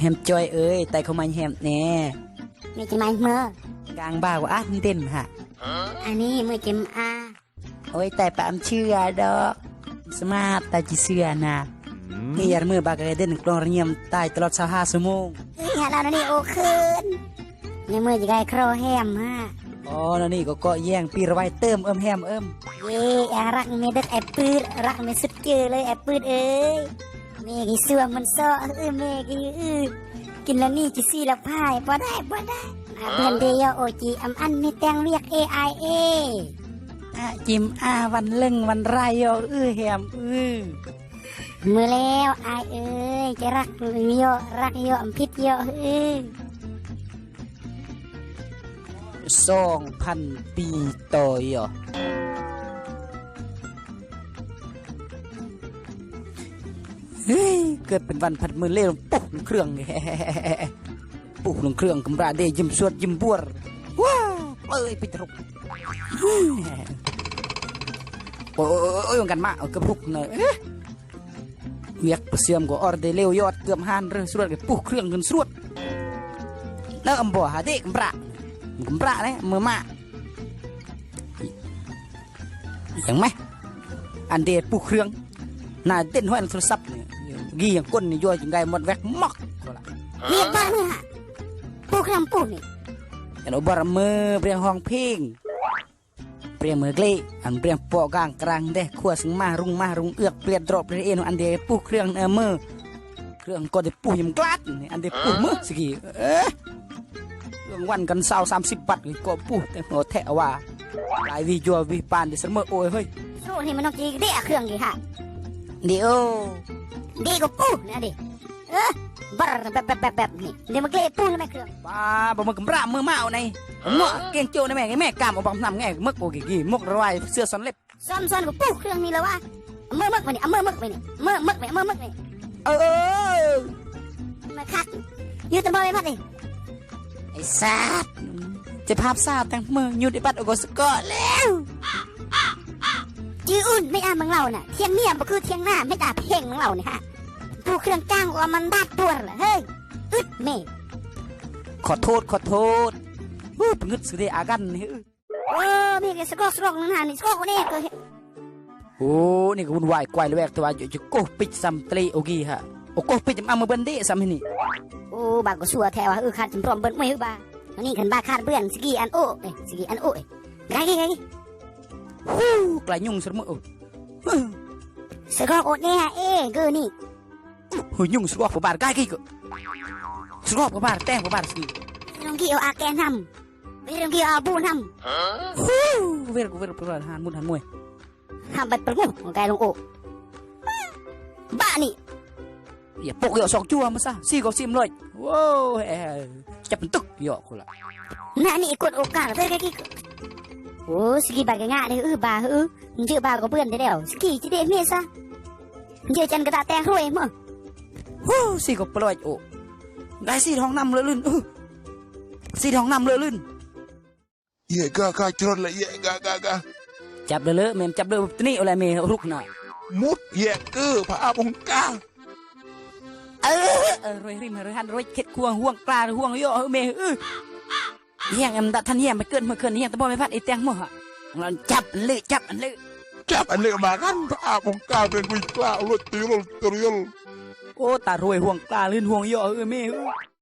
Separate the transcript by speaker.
Speaker 1: ฮมจอยเอ้ยแต่เขามาแฮมแน่
Speaker 2: ไม่จะมาเมื่อก
Speaker 1: ลางบ่าวว่าเด่นฮะ
Speaker 2: อันนี้เมื่อจิม
Speaker 1: โอ้ยแต่ปามเชื่อดอกสมาร์ตแต่จีเชื่อนะนี่ยามือบากเด่นกลองระเงียมตายตลอด25 ชั่วโมง
Speaker 2: อย่าเรานี่โอคืนยังเมื่อจะได้ครอแฮมฮะ
Speaker 1: อ๋อแล้วนี่ก็แย่งปีระไว้เติมแฮม
Speaker 2: เย่รักไม่ดึกไอ้ปืดรักไม่สุดเจอเลยไอ้ปืดเอ้ยเมกี่ส่วงมันซ้อเมกี่กินแล้วนี่จะซีละพายบ่ได้เพื่อนเดียวโอจีอันนี่แต่งเรียก AIA
Speaker 1: จิมวันเล่งวันไรแฮม
Speaker 2: มือแล้วไอเอ้ยจะรักโยพิษโย
Speaker 1: 2,000 ปีต่อยเฮ้ยเกิดเป็นวันผัดมือเล่นปุ๊บเครื่องปุ๊บลงเครื่องกำราเดยิ้มสวดยิ้มบัวว้าเอ้ยปิดรุกโอ้ยกันมาเอากระพุกหน่อยเวียกเสื่อมก็ออร์เดเลี้ยวยอดเกือบหันเรื่องสวดกับปุ๊บเครื่องเงินสวดแล้วอัมบ่หาเด็กกำราเนี่ยมือมาอย่างไหมอันเดปุ๊บเครื่องน่าเต้นห้อยโทรศัพท์เนี่ยกี่อย่างก้นนี่ย่อยจังไงหมดแวกมักก็ละ
Speaker 2: เรียกบ้านเนี่ยปูคำปูนี่
Speaker 1: อันอบารมือเปรียงห้องเพลงเปรียงมือเกลี่อันเปรียงปอกางกลางเด้ขั้วสึงมารุงเอือกเปลี่ยนดรอปเปลี่ยนเอ็นอันเดปูเครื่องมือเครื่องก็ได้ปูยำกลัดอันเดปูมือสิกี่เรื่องวันกัน30 บาทก็ปูแต่หัวแทะว่าหลายวิจววิปานดิสเมอโอ้ยเฮ้ย
Speaker 2: โซ่นี่มันต้องจีเดะเครื่องกี่ฮะ
Speaker 1: เดี๋ยว
Speaker 2: ดีก็ปูนะดิบ้าแบบนี่เดี๋ยวมันเกลี่ยปูนะแม่เครื่อง
Speaker 1: ป้าบ่มึงกำรามือเมาในเมื่อเก่งโจ้ในแม่กามเอาบังทำไงมึกโกกี่มึกระไรเสื้อสันเล็บ
Speaker 2: ซ้อนกับปูเครื่องนี่แล้ววะเมื่อมึกไปนี่เมื่อมึกไปนี่เมื่อมึกไปมาคักยืดตะบอไปพัดดิ
Speaker 1: ไอ้ซาดจะภาพซาดตั้งมือยืดไอ้ปัดโอโกสกอแล้ว
Speaker 2: จีอุ่นไม่มึงเราน่ะเที่ยงเมียบ่คือเที่ยงหน้าไม่ตาเพ่งมึงเราเนี่ยฮะปูเครื่องจ้างว่ามันบาดปวดเหรอเฮ้ยเมย์
Speaker 1: ขอโทษงึดสุดเลยอากันนี่
Speaker 2: มีแกสกอกนั่นน่ะนี่สกอกนี่ก็
Speaker 1: โอ้นี่ก็วุ่นวายกวายเลยแวกตัวจะโกปิดซัมตรีโอกีฮะโอโกปิดมาเมื่อบันเดซัมนี่
Speaker 2: โอ้บางก็ชัวแถวขาดจำพร้อมเบิ้ลไม่บ้าอันนี้ขันบ้าขาดเบื่อสกีอันโอ้สกีอันโอ้ไง
Speaker 1: กลายยุ่งสมอ
Speaker 2: สกอกโอเนี่ยเกอนี่
Speaker 1: ยุ่งสกอกบาร์กายกี่ก็สกอกบาร์แตงบาร์สกี
Speaker 2: ลองกี่เอาอาแกนทำไม่ลองกี่เอาบูนท
Speaker 1: ำเวรหันมุดหันมวย
Speaker 2: ทำไปประมุของกายลงโอบ้านี่
Speaker 1: อย่าปกเหยาะสองจั่วมาซะซี่ก็ซิมเลยว้าวจับเป็นตึกเหยาะคนละ
Speaker 2: น่านี่กดโอกาสเลยกี่โอ้สกีบากง่ายเลยบาเจอบาก็เพื่อนได้แล้วสกีจะได้เมียซะเจอจันกระตาแตงรวยมั้ง
Speaker 1: ซี่ก็ปล่อยโอ้ได้ซี่ท้องน้ำเลยลื่นซี่ท้องน้ำเลยลื่น
Speaker 3: กะจรละกะ
Speaker 1: จับเลยเมมจับเลยตัวนี้อะไรเมรุกหน่อย
Speaker 3: มุดพระอาบงการ
Speaker 1: วยริมหันรวยเข็ดควงห่วงกลาห่วงโยเมเฮียงอันดัทันเฮียงไปเกินเมื่อคืนเฮียงตะบอไม่พัดไอแตงมั่วเราจับอัน
Speaker 3: เลยมากันพระอาบงกาเป็นวิกล้าลดตีลโอ้
Speaker 1: ตารวยห่วงกลาลื่นห่วงโยเม